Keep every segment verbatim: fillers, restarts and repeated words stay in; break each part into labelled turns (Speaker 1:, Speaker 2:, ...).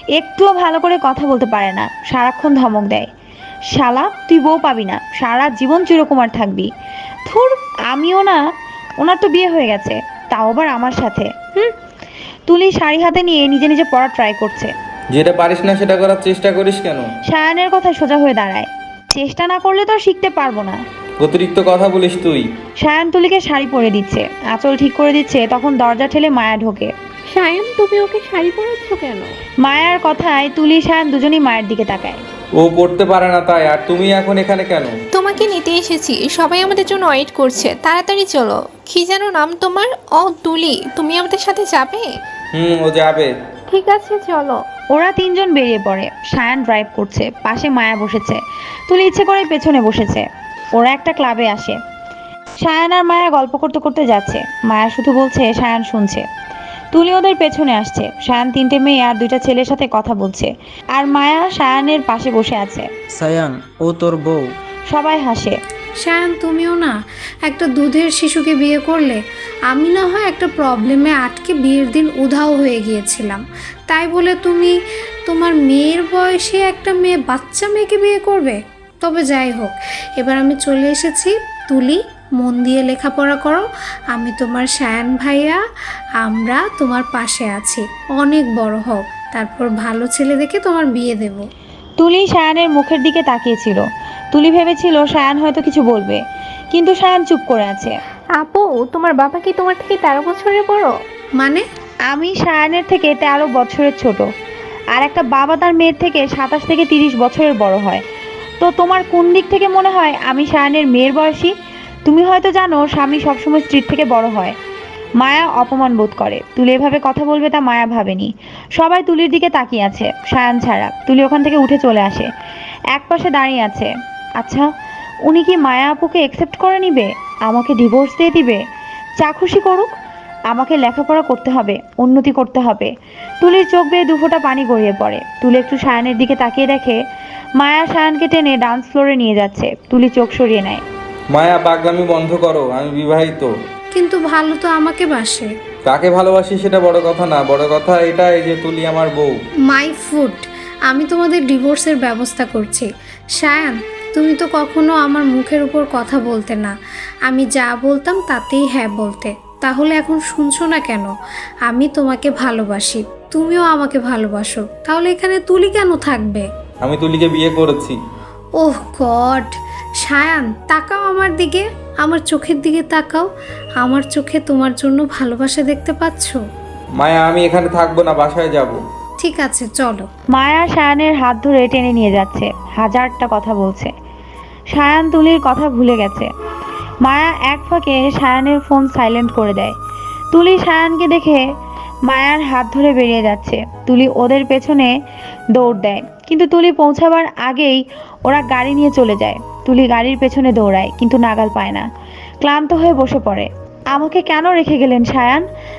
Speaker 1: একটুও ভালো করে কথা বলতে পারে না, সারাক্ষণ ধমক দেয়। শালা তুই বউ পাবি না, সারা জীবন চিরকুমার থাকবি। থুর, আমিও না, ওনার তো বিয়ে হয়ে গেছে, তাও আবার আমার সাথে। হুম। তুলি শাড়ি হাতে নিয়ে নিজে নিজে পড়া ট্রাই করছে।
Speaker 2: যেটা পারিস না সেটা করার চেষ্টা করিস কেন?
Speaker 1: সায়ানের কথা সোজা হয়ে দাঁড়ায়। চেষ্টা না করলে তো আর শিখতে পারবো না।
Speaker 2: অতিরিক্ত কথা বলিস তুই।
Speaker 1: সায়ান তুলিকে শাড়ি পরে দিচ্ছে, আঁচল ঠিক করে দিচ্ছে, তখন দরজা ঠেলে মায়া ঢোকে।
Speaker 3: সায়ন, তুমি ওকে শাড়ি পরাচ্ছ কেন?
Speaker 1: মায়ার কথায় তুলি সায়ান দুজনেই মায়ের দিকে তাকায়।
Speaker 2: ও পড়তে পারে না তাই, আর তুমি এখন এখানে কেন?
Speaker 4: তোমাকে নিতে এসেছি, সবাই আমাদের জন্য ওয়েট করছে, তাড়াতাড়ি চলো। কি যেন নাম তোমার? ও তুলি, তুমি আমাদের সাথে যাবে?
Speaker 2: হুম, ও যাবে।
Speaker 3: ঠিক আছে চলো।
Speaker 1: ওরা তিনজন বেরিয়ে পড়ে। সায়ান ড্রাইভ করছে, পাশে মায়া বসেছে। তুলি ইচ্ছে করে পেছনে বসেছে। ওরা একটা ক্লাবে আসে। সায়ান আর মায়া গল্প করতে করতে যাচ্ছে। মায়া শুধু বলছে, সায়ান শুনছে। তুলি ওদের পেছনে আসছে। সায়ান তিনটে মেয়ে আর দুইটা ছেলের সাথে কথা বলছে, আর মায়া সায়ানের পাশে বসে আছে।
Speaker 5: সায়ান, ও তোর বউ।
Speaker 1: সবাই হাসে।
Speaker 6: সায়ান, তুমিও না একটা দুধের শিশুকে বিয়ে করলে। আমি না হয় একটা প্রবলেমে আটকে বিয়ের দিন উধাও হয়ে গিয়েছিলাম, তাই বলে তুমি তোমার মেয়ের বয়সে একটা মেয়ে বাচ্চা মেয়েকে বিয়ে করবে? তবে যাই হোক, এবার আমি চলে এসেছি। তুলি, মন দিয়ে লেখাপড়া করো। আমি তোমার সায়ান ভাইয়া, আমরা তোমার পাশে আছি। অনেক বড় হও, তারপর ভালো ছেলে দেখে তোমার বিয়ে দেব।
Speaker 1: তুলি সায়ানের মুখের দিকে তাকিয়েছিল। তুলি ভেবেছিল সায়ান হয়তো কিছু বলবে, কিন্তু সায়ান চুপ করে আছে।
Speaker 3: আপু, তোমার বাবা কি তোমার থেকে তেরো বছরের বড়?
Speaker 6: মানে?
Speaker 1: আমি সায়ানের থেকে তেরো বছরের ছোট, আর একটা বাবা তার মেয়ের থেকে সাতাশ থেকে তিরিশ বছরের বড় হয়। তো তোমার কোন দিক থেকে মনে হয় আমি সায়ানের মেয়ের বয়সী? তুমি হয়তো জানো স্বামী সবসময় স্ত্রীর থেকে বড় হয়। মায়া অপমান বোধ করে। তুলি এভাবে কথা বলবে তা মায়া ভাবেনি। সবাই তুলির দিকে তাকিয়ে আছে, সায়ান ছাড়া। তুলি ওখান থেকে উঠে চলে আসে, এক পাশে দাঁড়িয়ে আছে। আচ্ছা, উনি কি মায়া আপুকে অ্যাকসেপ্ট করে নিবে? আমাকে ডিভোর্স দিয়ে দিবে? যা খুশি করুক, আমাকে লেখাপড়া করতে হবে, উন্নতি করতে হবে। তুলির চোখ বেয়ে দুফোঁটা পানি গড়িয়ে পড়ে। তুলি একটু সায়ানের দিকে তাকিয়ে দেখে মায়া সায়ানকে টেনে ডান্স ফ্লোরে নিয়ে যাচ্ছে। তুলি চোখ সরিয়ে নেয়।
Speaker 2: মায়া, পাগলামি বন্ধ করো, আমি বিবাহিত।
Speaker 6: কিন্তু ভালো তো আমাকে বাসে।
Speaker 2: কাকে ভালোবাসি সেটা বড় কথা না, বড় কথা এটাই যে তুলি আমার বউ।
Speaker 6: মাই ফুড, আমি তোমাদের ডিভোর্সের ব্যবস্থা করছি। সায়ান, তুমি তো কখনো আমার মুখের উপর কথা বলতে না, আমি যা বলতাম তাতেই হ্যাঁ বলতে। তাহলে এখন শুনছো না কেন? আমি তোমাকে ভালোবাসি, তুমিও আমাকে ভালোবাসো, তাহলে এখানে তুলি কেন থাকবে?
Speaker 2: আমি তুলিকে বিয়ে করেছি।
Speaker 6: ওহ গড! সায়ান, তাকাও আমার দিকে, আমার চোখের দিকে তাকাও। আমার চোখে তোমার জন্য ভালোবাসা দেখতে পাচ্ছো?
Speaker 2: মায়া, আমি এখানে থাকবো না, বাসায় যাব।
Speaker 6: ঠিক আছে চলো।
Speaker 1: মায়া সায়ানের হাত ধরে টেনে নিয়ে যাচ্ছে, হাজারটা কথা বলছে। সায়ান তুলির কথা ভুলে গেছে। মায়া এক ফাঁকে সায়ানের ফোন সাইলেন্ট করে দেয়। তুলি সায়ানকে দেখে মায়ার হাত ধরে বেরিয়ে যাচ্ছে। তুলি ওদের পেছনে দৌড় দেয়, কিন্তু তুলি পৌঁছাবার আগেই ওরা গাড়ি নিয়ে চলে যায়। তুলি গাড়ির পেছনে দৌড়ায়, কিন্তু নাগাল পায় না। ক্লান্ত হয়ে বসে পড়ে। আমাকে কেন রেখে গেলেন সায়ান?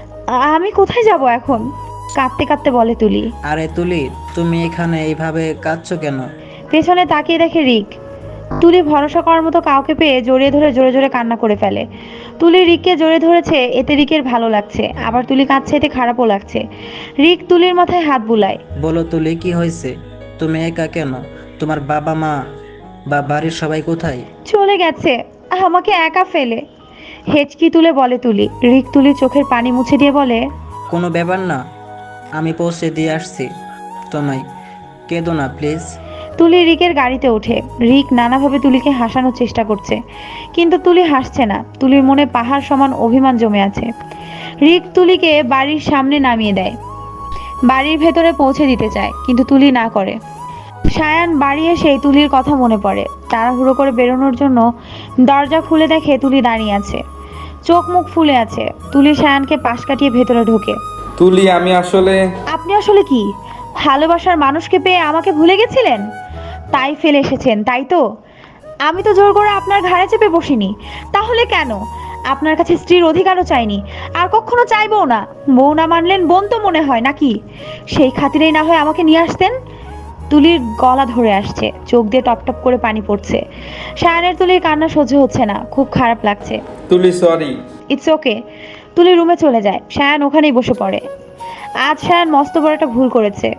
Speaker 1: আমি কোথায় যাব এখন? কাঁদতে কাঁদতে বলে তুলি।
Speaker 5: আরে তুলি, তুমি এখানে এইভাবে কাঁদছো কেন?
Speaker 1: পেছনে তাকিয়ে দেখে রিক। তুলি ভরসা করার মতো কাউকে পেয়ে জড়িয়ে ধরে জোরে জোরে কান্না করে ফেলে। তুলি রিককে জড়িয়ে ধরেছে, এতে রিকের ভালো লাগছে, আবার তুলি কাঁদছে, এতে খারাপও লাগছে। রিক তুলির মাথায় হাত বুলায়।
Speaker 5: বলো তুলি, কি হয়েছে? তুমি একা কেন? তোমার বাবা মা বা বাড়ির সবাই কোথায়?
Speaker 1: চলে গেছে আমাকে একা ফেলে, হেঁচকি তুলে বলে তুলি। রিক তুলির চোখের পানি মুছে দিয়ে বলে,
Speaker 5: কোনো ব্যাপার না, আমি পৌঁছে দিয়ে আসছি তোমায়, কেঁদো না প্লিজ।
Speaker 1: তুলি রিকের গাড়িতে ওঠে। রিক নানাভাবে তুলিকে হাসানোর চেষ্টা করছে, কিন্তু তুলি হাসছে না। তুলির মনে পাহাড় সমান অভিমান জমে আছে। রিক তুলিকে বাড়ির সামনে নামিয়ে দেয়, বাড়ির ভেতরে পৌঁছে দিতে চায়, কিন্তু তুলি না করে। সায়ান বাড়ি এসেই তুলির কথা মনে পড়ে। তাড়াহুড়ো করে বেরোনোর জন্য দরজা খুলে দেখে তুলি দাঁড়িয়ে আছে, চোখ মুখ ফুলে আছে। তুলি সায়ানকে পাশ কাটিয়ে ভেতরে ঢোকে।
Speaker 2: তুলি, আমি আসলে...
Speaker 1: আপনি আসলে কি? ভালোবাসার মানুষকে পেয়ে আমাকে ভুলে গেছিলেন, তাই ফেলে এসেছেন, তাই তো? আমি তো জোর করে আপনার ঘাড়ে চেপে বসিনি, তাহলে কেন? আপনার কাছে স্ত্রীর অধিকারও চাইনি, আর কখনো চাইবও না। বউ না মানলেন বোন তো মনে হয় নাকি? সেই খাতিরেই না হয় আমাকে নিয়ে আসতেন। তুলির গলা ধরে আসছে, চোখ দিয়ে টপ টপ করে পানি পড়ছে। সায়ানের তুলির কান্না সহ্য হচ্ছে না, খুব খারাপ লাগছে।
Speaker 2: তুলি, সরি।
Speaker 1: It's okay. তুলি রুমে চলে যায়। সায়ান ওখানেই বসে পড়ে। আজ সায়ান মস্ত বড় একটা ভুল করেছে।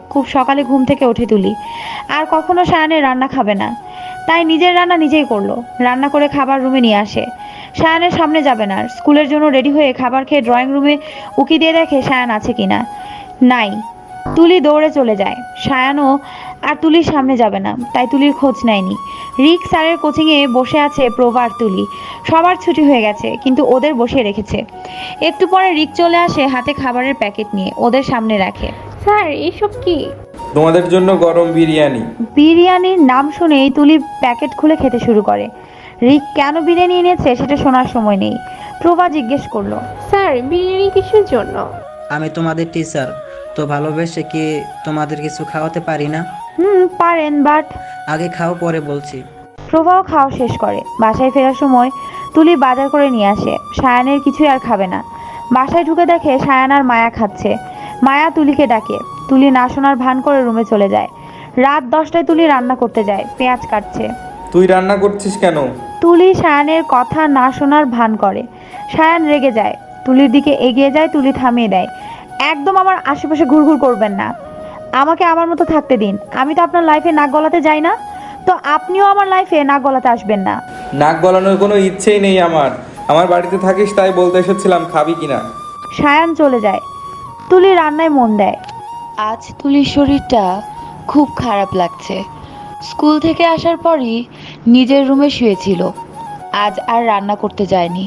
Speaker 1: খুব সকালে ঘুম থেকে ওঠে তুলি। আর কখনো সায়ানের রান্না খাবে না, তাই নিজের রান্না নিজেই করলো। রান্না করে খাবার রুমে নিয়ে আসে। সায়ানের সামনে যাবে না, স্কুলের জন্য রেডি হয়ে খাবার খেয়ে ড্রয়িং রুমে উকি দিয়ে দেখে সায়ান আছে কিনা। নাই। তুলি দৌড়ে চলে যায়। সায়ানও আর তুলির সামনে যাবে না, তাই তুলির খোঁজ নেয়নি। রিক স্যারের কোচিংয়ে বসে আছে প্রভা আর তুলি। সবার ছুটি হয়ে গেছে, কিন্তু ওদের বসিয়ে রেখেছে। একটু পরে রিক চলে আসে হাতে খাবারের প্যাকেট নিয়ে, ওদের সামনে রাখে।
Speaker 3: স্যার এসব কি?
Speaker 2: তোমাদের জন্য গরম বিরিয়ানি।
Speaker 1: বিরিয়ানির নাম শুনেই তুলি প্যাকেট খুলে খেতে শুরু করে। রিক কেন বিরিয়ানি এনেছে সেটা শোনার সময় নেই। প্রভা জিজ্ঞেস করলো,
Speaker 3: স্যার বিরিয়ানি কিসের জন্য?
Speaker 5: আমি তোমাদের টিচার, তো ভালোবেসে কি তোমাদের কিছু খাওয়াতে পারি না?
Speaker 1: হুম পারেন, বাট
Speaker 5: আগে খাও, পরে বলছি।
Speaker 1: প্রভাও খাওয়া শেষ করে। বাসায় ফেরার সময় তুলি বাজার করে নিয়ে আসে। সায়ানের কিছুই আর খাবে না। বাসায় ঢুকে দেখে সায়ান আর মায়া খাচ্ছে। মায়া তুলিকে ডাকে। তুলি না শোনার ভান করে রুমে চলে যায়। রাত দশটায় তুলি রান্না করতে যায়, পেঁয়াজ কাটছে।
Speaker 2: তুই রান্না করছিস কেন?
Speaker 1: তুলি সায়ানের কথা না শোনার ভান করে। সায়ান রেগে যায়, তুলির দিকে এগিয়ে যায়। তুলি থামিয়ে দেয়। একদম আমার আশেপাশে ঘুরঘুর করবেন না, আমাকে আমার মতো থাকতে দিন। আমি তো আপনার লাইফে নাক গলাতে যাই না, তো আপনিও আমার লাইফে নাক গলাতে আসবেন না।
Speaker 2: নাক গলানোর কোনো ইচ্ছেই নেই আমার। আমার বাড়িতে থাকিস তাই বলতে এসেছিলাম খাবি কিনা।
Speaker 1: সায়ান চলে যায়। তুলি রান্নায় মন দেয়। আজ তুলির শরীরটা খুব খারাপ লাগছে। স্কুল থেকে আসার পরই নিজের রুমে শুয়েছিল, আজ আর রান্না করতে যায়নি।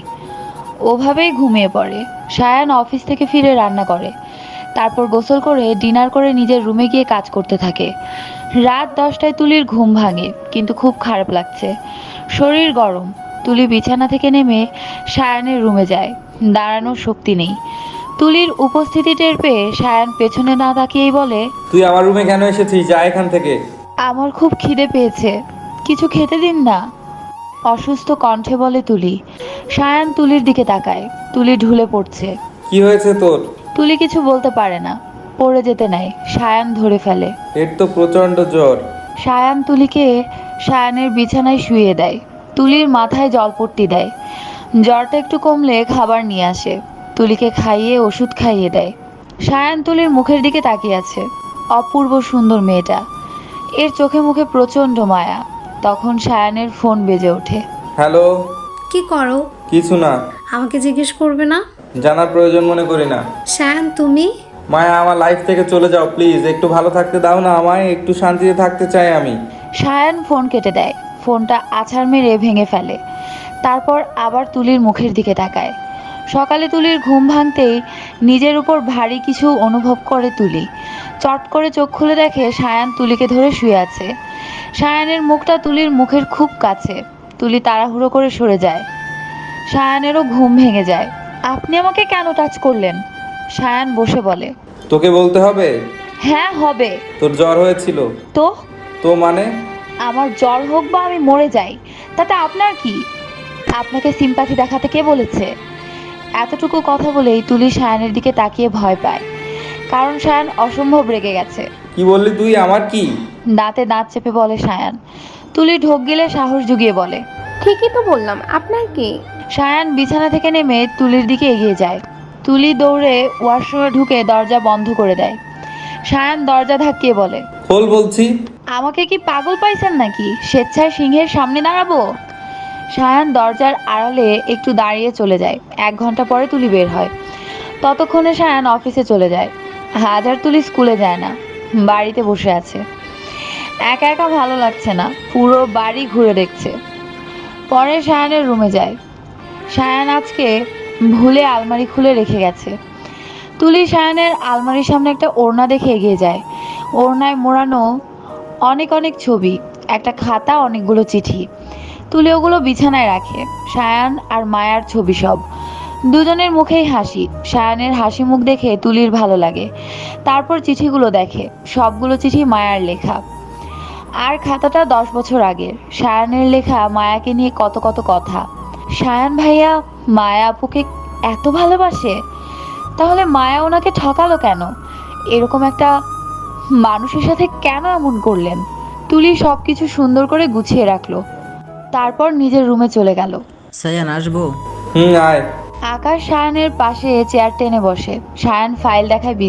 Speaker 1: ওভাবেই ঘুমিয়ে পড়ে। সায়ান অফিস থেকে ফিরে রান্না করে, তারপর গোসল করে ডিনার করে নিজের রুমে গিয়ে কাজ করতে থাকে। রাত দশটায় তুলির ঘুম ভাঙে, কিন্তু খুব খারাপ লাগছে, শরীর গরম। তুলি বিছানা থেকে নেমে সায়ানের রুমে যায়। দাঁড়ানোর শক্তি নেই। তুলির উপস্থিতি টের পেয়ে সায়ান পেছনে না তাকিয়েই বলে,
Speaker 2: তুই আমার রুমে কেন এসেছিস? যা এখান থেকে।
Speaker 1: আমার খুব খিদে পেয়েছে, কিছু খেতে দিন না। অসুস্থ কণ্ঠে বলে তুলি। সায়ান তুলির দিকে তাকায়। তুলি ঢুলে পড়ছে।
Speaker 2: কি হয়েছে তোর?
Speaker 1: তুলি কিছু বলতে পারে না, পড়ে যেতে নেয়। সায়ান ধরে ফেলে।
Speaker 2: এর তো প্রচন্ড জ্বর।
Speaker 1: সায়ান তুলিকে সায়ানের বিছানায় শুইয়ে দেয়। তুলির মাথায় জলপট্টি দেয়। জ্বরটা একটু কমলে খাবার নিয়ে আসে, তুলিকে খাইয়ে ওষুধ খাইয়ে দেয়। সায়ান তুলির মুখের দিকে তাকিয়ে আছে। অপূর্ব সুন্দর মেয়েটা, এর চোখে মুখে প্রচণ্ড মায়া। তখন সায়ানের ফোন বেজে ওঠে।
Speaker 2: হ্যালো।
Speaker 6: কি করো?
Speaker 2: কিছু না।
Speaker 6: আমাকে জিজ্ঞেস করবে না?
Speaker 2: জানার প্রয়োজন মনে করি না।
Speaker 6: শ্যান তুমি?
Speaker 2: মায়া, আমার লাইফ থেকে চলে যাও প্লিজ। একটু ভালো থাকতে দাও না আমায়, একটু শান্তিতে থাকতে চাই আমি।
Speaker 1: সায়ান ফোন কেটে দেয়, ফোনটা আছাড় মেরে ভেঙে ফেলে। তারপর আবার তুলির মুখের দিকে তাকায়। সকালে তুলির ঘুম ভাঙতেই নিজের উপর ভারী কিছু অনুভব করে তুলি। চট করে চোখ খুলে দেখে সায়ান তুলিকে ধরে শুয়ে আছে। সায়ানের মুখটা তুলির মুখের খুব কাছে। তুলি তাড়াহুড়ো করে সরে যায়। সায়ানেরও ঘুম ভেঙে যায়। আপনি আমাকে কেন টাচ করলেন? সায়ান বসে বলে।
Speaker 2: তোকে বলতে হবে?
Speaker 1: হ্যাঁ হবে।
Speaker 2: তোর জ্বর হয়েছিল?
Speaker 1: তো
Speaker 2: তো মানে?
Speaker 1: আমার জ্বর হোক বা আমি মরে যাই, তাতে আপনার কি? আপনাকে সিম্প্যাথি দেখাতে কে বলেছে? এতটুকু কথা বলেই তুলি সায়ানের দিকে তাকিয়ে ভয় পায়, কারণ সায়ান অসম্ভব রেগে গেছে।
Speaker 2: কি বললি তুই? আমার কি?
Speaker 1: দাঁতে দাঁত চেপে বলে সায়ান। তুলি ঢোক গিলে সাহস জুগিয়ে বলে,
Speaker 3: ঠিকই তো বললাম, আপনার কি?
Speaker 1: সায়ান বিছানা থেকে নেমে তুলির দিকে এগিয়ে যায়। তুলি দৌড়ে ওয়াশরুমে ঢুকে দরজা বন্ধ করে দেয়। সায়ান দরজা ধাক্কিয়ে বলে,
Speaker 2: খোল বলছি।
Speaker 1: আমাকে কি পাগল পাইছেন নাকি? স্বেচ্ছায় সিংহের সামনে দাঁড়াবো? সায়ান দরজার আড়ালে একটু দাঁড়িয়ে চলে যায়। এক ঘন্টা পরে তুলি বের হয়। ততক্ষণে সায়ান অফিসে চলে যায়। আজ আর তুলি স্কুলে যায় না, বাড়িতে বসে আছে। একা একা ভালো লাগছে না, পুরো বাড়ি ঘুরে দেখছে। পরে সায়ানের রুমে যায়। সায়ান আজকে ভুলে আলমারি খুলে রেখে গেছে। তুলি সায়ানের আলমারির সামনে একটা ওড়না দেখে এগিয়ে যায়। ওড়নায় মোড়ানো অনেক অনেক ছবি, একটা খাতা, অনেকগুলো চিঠি। তুলি ওগুলো বিছানায় রাখে। সায়ান আর মায়ার ছবি সব। দুজনের মুখেই হাসি। সায়ানের হাসি মুখ দেখে তুলির ভালো লাগে। তারপর চিঠিগুলো দেখে, সবগুলো চিঠি মায়ার লেখা। আর খাতাটা দশ বছর আগের। সায়ানের লেখা মায়াকে নিয়ে কত কত কথা। সায়ান ভাইয়া মায়া আপুকে এত ভালোবাসে, তাহলে মায়া ওনাকে ঠকালো কেন? এরকম একটা মানুষের সাথে কেন এমন করলেন? তুলি সব কিছু সুন্দর করে গুছিয়ে রাখলো। তারপর নিজের রুমে চলে গেল।
Speaker 5: সায়ান আসবো?
Speaker 2: হুম, আয়।
Speaker 1: আকাশ সায়ানের পাশে চেয়ার টেনে বসে। সায়ান ফাইল দেখায় বিজি।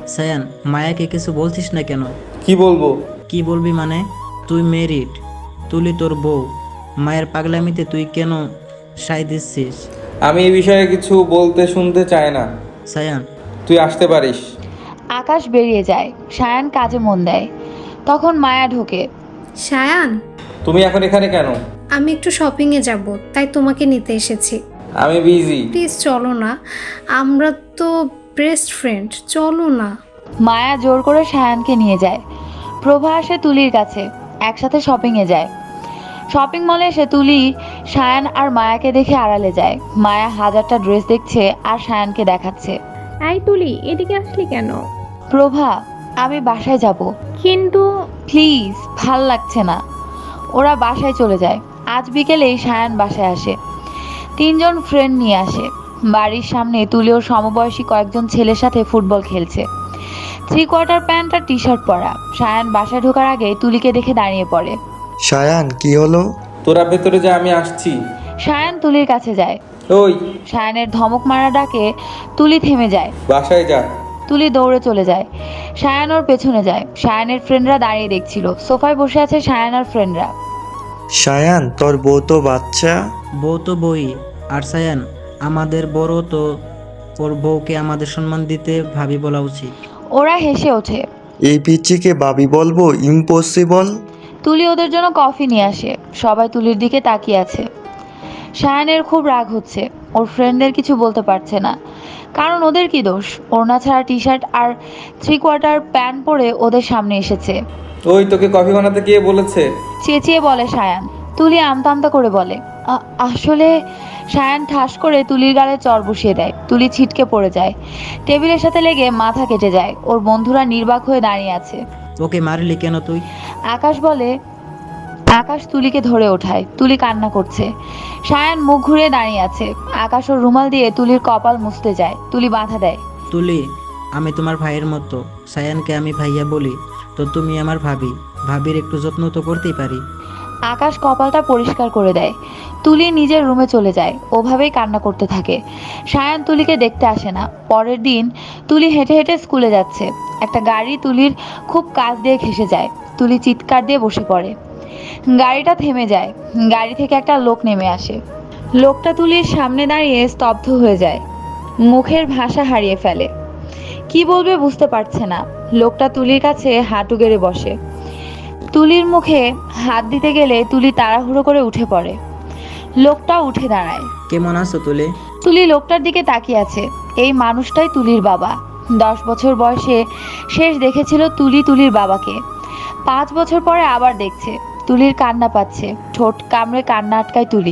Speaker 5: সায়ান, মায়াকে কিছু বলছিস না কেন?
Speaker 2: কি বলবো?
Speaker 5: কি বলবি মানে? তুই মেরিড, তুলি তোর বউ, মায়ের পাগলামিতে তুই কেন সাই দিচ্ছিস?
Speaker 2: আমি এই বিষয়ে কিছু বলতে শুনতে চাই না।
Speaker 5: সায়ান,
Speaker 2: তুই আসতে পারিস।
Speaker 1: আকাশ বেরিয়ে যায়, সায়ান কাজে মন দেয়। তখন মায়া ঢোকে।
Speaker 6: সায়ান,
Speaker 2: তুমি এখন এখানে কেন?
Speaker 6: আমি একটু শপিংয়ে যাব, তাই তোমাকে নিতে এসেছি।
Speaker 2: আমি বিজি।
Speaker 6: প্লিজ চলো না, আমরা তো বেস্ট ফ্রেন্ড, চলো না।
Speaker 1: মায়া জোর করে সায়ানকে নিয়ে যায়। প্রভা আসে তুলির কাছে, একসাথে শপিংয়ে যায়। শপিং মলে এসে তুলি সায়ান আর মায়াকে দেখে আড়ালে যায়। মায়া হাজারটা ড্রেস দেখছে আর সায়ানকে দেখাচ্ছে।
Speaker 3: এই তুলি, এদিকে আসলি কেন?
Speaker 1: প্রভা, আমি বাসায় যাব।
Speaker 3: কিন্তু
Speaker 1: প্লিজ, ভাল লাগছে না। ওরা বাসায় চলে যায়। আজ বিকেলেই সায়ান বাসায় আসে। তিনজন ফ্রেন্ড নিয়ে আসে। বাড়ির সামনে তুলি ওর সমবয়সী কয়েকজন ছেলের সাথে ফুটবল খেলছে। থ্রি কোয়ার্টার প্যান্ট আর টি শার্ট পরা। সায়ান বাসায় ঢোকার আগে তুলিকে দেখে দাঁড়িয়ে পড়ে।
Speaker 7: সায়ান, কি হলো?
Speaker 2: তোরা ভেতরে যা, আমি আসছি।
Speaker 1: সায়ান তুলির কাছে যায়।
Speaker 2: ওই,
Speaker 1: সায়ানের ধমক মারা ডাকে তুলি থেমে যায়।
Speaker 2: বাসায় যা।
Speaker 1: তুলি দৌড়ে চলে যায়। সায়ান ওর পেছনে যায়। সায়ানের ফ্রেন্ডরা দাঁড়িয়ে দেখছিল। সোফায় বসে আছে সায়ান আর ফ্রেন্ডরা।
Speaker 7: সায়ান, তোর বউ তো বাচ্চা।
Speaker 5: বউ তো বই। আর সায়ান, আমাদের বড় তো, ওর বউকে আমাদের সম্মান দিতে ভাবি বলা উচিত।
Speaker 1: ওরা হেসে ওঠে।
Speaker 7: এই পিচ্চিকে বাবি বলবো? ইম্পসিবল।
Speaker 1: তুলি ওদের জন্য কফি নিয়ে আসে। সবাই তুলির দিকে তাকিয়ে আছে। সায়ানের খুব রাগ হচ্ছে। ওর ফ্রেন্ডদের কিছু বলতে পারছে না, কারণ ওদের কি দোষ? ওড়না ছাড়া টি শার্ট আর থ্রি কোয়ার্টার প্যান্ট পরে ওদের সামনে এসেছে।
Speaker 2: ওই, তোকে কফি বানাতে কে বলেছে?
Speaker 1: চেঁচিয়ে বলে সায়ান। তুলি আমতা আমতা করে বলে, "আ- আসলে সায়ান ঠাস করে তুলির গালে চর বসিয়ে দেয়। তুলি ছিটকে পড়ে যায়। টেবিলের সাথে লেগে মাথা কেটে যায়। ওর বন্ধুরা নির্বাক হয়ে দাঁড়িয়ে আছে।
Speaker 5: ওকে মারলি কেন তুই?
Speaker 1: আকাশ বলে। আকাশ তুলিকে ধরে ওঠায়। তুলি কান্না করছে। সায়ান মুখ ঘুরিয়ে দাঁড়িয়ে আছে। আকাশ ওর রুমাল দিয়ে তুলির কপাল মুছতে যায়। তুলি বাধা দেয়।
Speaker 5: তুলি, আমি তোমার ভাইয়ের মতো। সায়ানকে আমি ভাইয়া বলি, তো তুমি আমার ভাবি। ভাবির একটু যত্ন তো করতেই পারি।
Speaker 1: আকাশ কপালটা পরিষ্কার করে দেয়। তুলি নিজের রুমে চলে যায়। ওভাবেই কান্না করতে থাকে। সায়ান তুলিকে দেখতে আসে না। পরের দিন তুলি হেঁটে হেঁটে স্কুলে যাচ্ছে। একটা গাড়ি তুলির খুব কাছ দিয়ে ঘেঁষে যায়। তুলি চিৎকার দিয়ে বসে পড়ে। গাড়িটা থেমে যায়। গাড়ি থেকে একটা লোক নেমে আসে। লোকটা তুলির সামনে দাঁড়িয়ে স্তব্ধ হয়ে যায়। মুখের ভাষা হারিয়ে ফেলে। কি বলবে বুঝতে পারছে না। লোকটা তুলির কাছে হাঁটু গেড়ে বসে। তুলির মুখে হাত দিতে গেলে তুলি তাড়াহুড়ো করে উঠে পড়ে। লোকটা উঠে দাঁড়ায়।
Speaker 5: কেমন আছো তুলি?
Speaker 1: তুলি লোকটার দিকে তাকিয়ে আছে। এই মানুষটাই তুলির বাবা। দশ বছর বয়সে শেষ দেখেছিল তুলি তুলির বাবাকে। পাঁচ বছর পরে আবার দেখছে। তুলির কান্না পাচ্ছে। ঠোঁট কামড়ে কান্না আটকায় তুলি।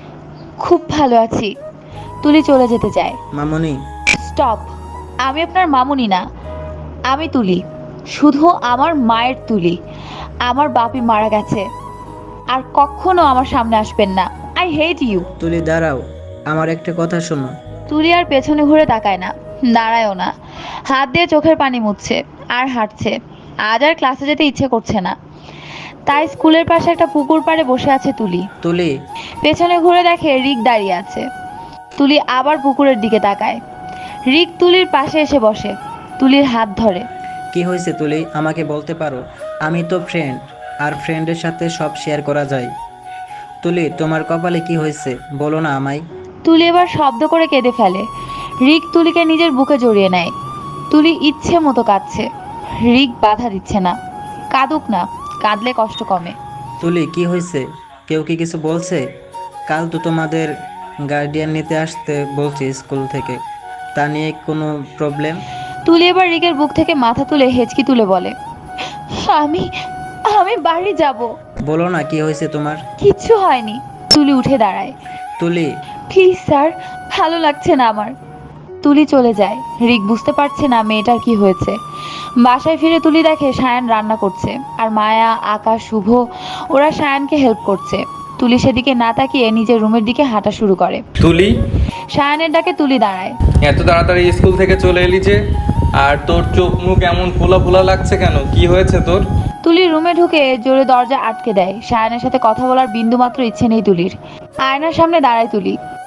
Speaker 1: খুব ভালো আছি। তুলি চলে যেতে চায়।
Speaker 5: মামনি,
Speaker 1: স্টপ। আমি আপনার মামুনি না, আমি তুলি। শুধু আমার মায়ের তুলি। আমার বাপি মারা গেছে। আর কখনো আমার সামনে আসবেন না। I hate you.
Speaker 5: তুলি দাঁড়াও, আমার একটা কথা শোনো।
Speaker 1: তুলি আর পেছনে ঘুরে তাকায় না, দাঁড়ায়ও না। হাত দিয়ে চোখের পানি মুছছে আর হাঁটছে। আজ আর ক্লাসে যেতে ইচ্ছে করছে না। তাই স্কুলের পাশে একটা পুকুর পাড়ে বসে আছে তুলি।
Speaker 5: তুলি,
Speaker 1: পেছনে ঘুরে দেখে রিক দাঁড়িয়ে আছে। তুলি আবার পুকুরের দিকে তাকায়। রিক তুলির পাশে এসে বসে। তুলির হাত ধরে।
Speaker 5: কি হয়েছে তুলি? আমাকে বলতে পারো। আমি তো ফ্রেন্ড, আর ফ্রেন্ডের সাথে সব শেয়ার করা যায়। তুলি, তোমার কপালে কি হয়েছে বলো না আমায়।
Speaker 1: তুলি এবার শব্দ করে কেঁদে ফেলে। রিক তুলিকে নিজের বুকে জড়িয়ে নেয়। তুলি ইচ্ছে মতো কাঁদছে। রিক বাধা দিচ্ছে না। কাঁদুক না, কাঁদলে কষ্ট কমে।
Speaker 5: তুলি, কি হয়েছে? কেউ কি কিছু বলছে? কাল তো তোমাদের গার্ডিয়ান নিতে আসতে বলছে স্কুল থেকে, তা নিয়ে কোনো প্রবলেম?
Speaker 1: তুলি এবার রিকের বুক থেকে মাথা তুলে হেঁচকি তুলে বলে, আমি আমি বাড়ি যাব।
Speaker 5: বলো না কি হয়েছে তোমার।
Speaker 1: কিচ্ছু হয়নি। তুলি উঠে দাঁড়ায়।
Speaker 5: তুলি,
Speaker 1: প্লিজ স্যার, ভালো লাগছে না আমার। তুলি চলে যায়। রিক বুঝতে পারছে না মেয়েটার কি হয়েছে। বাসায় ফিরে তুলি দেখে সায়ান রান্না করছে আর মায়া, আকাশ, শুভ ওরা সায়ানকে হেল্প করছে। তুলি সেদিকে না তাকিয়ে নিজের রুমের দিকে হাঁটা শুরু করে।
Speaker 2: তুলি,
Speaker 1: সায়ানের ডাকে তুলি দাঁড়ায়।
Speaker 2: এত তাড়াতাড়ি স্কুল থেকে চলে এলি যে? আর তোর চোখ মুখ এমন ফোলা ফোলা লাগছে কেন? কি হয়েছে তোর?
Speaker 1: তুলি রুমে ঢুকে জোরে দরজা আটকে দেয়। সায়ানের সাথে কথা বলার বিন্দুমাত্র ইচ্ছে নেই তুলির। আয়নার সামনে দাঁড়ায় তুলি।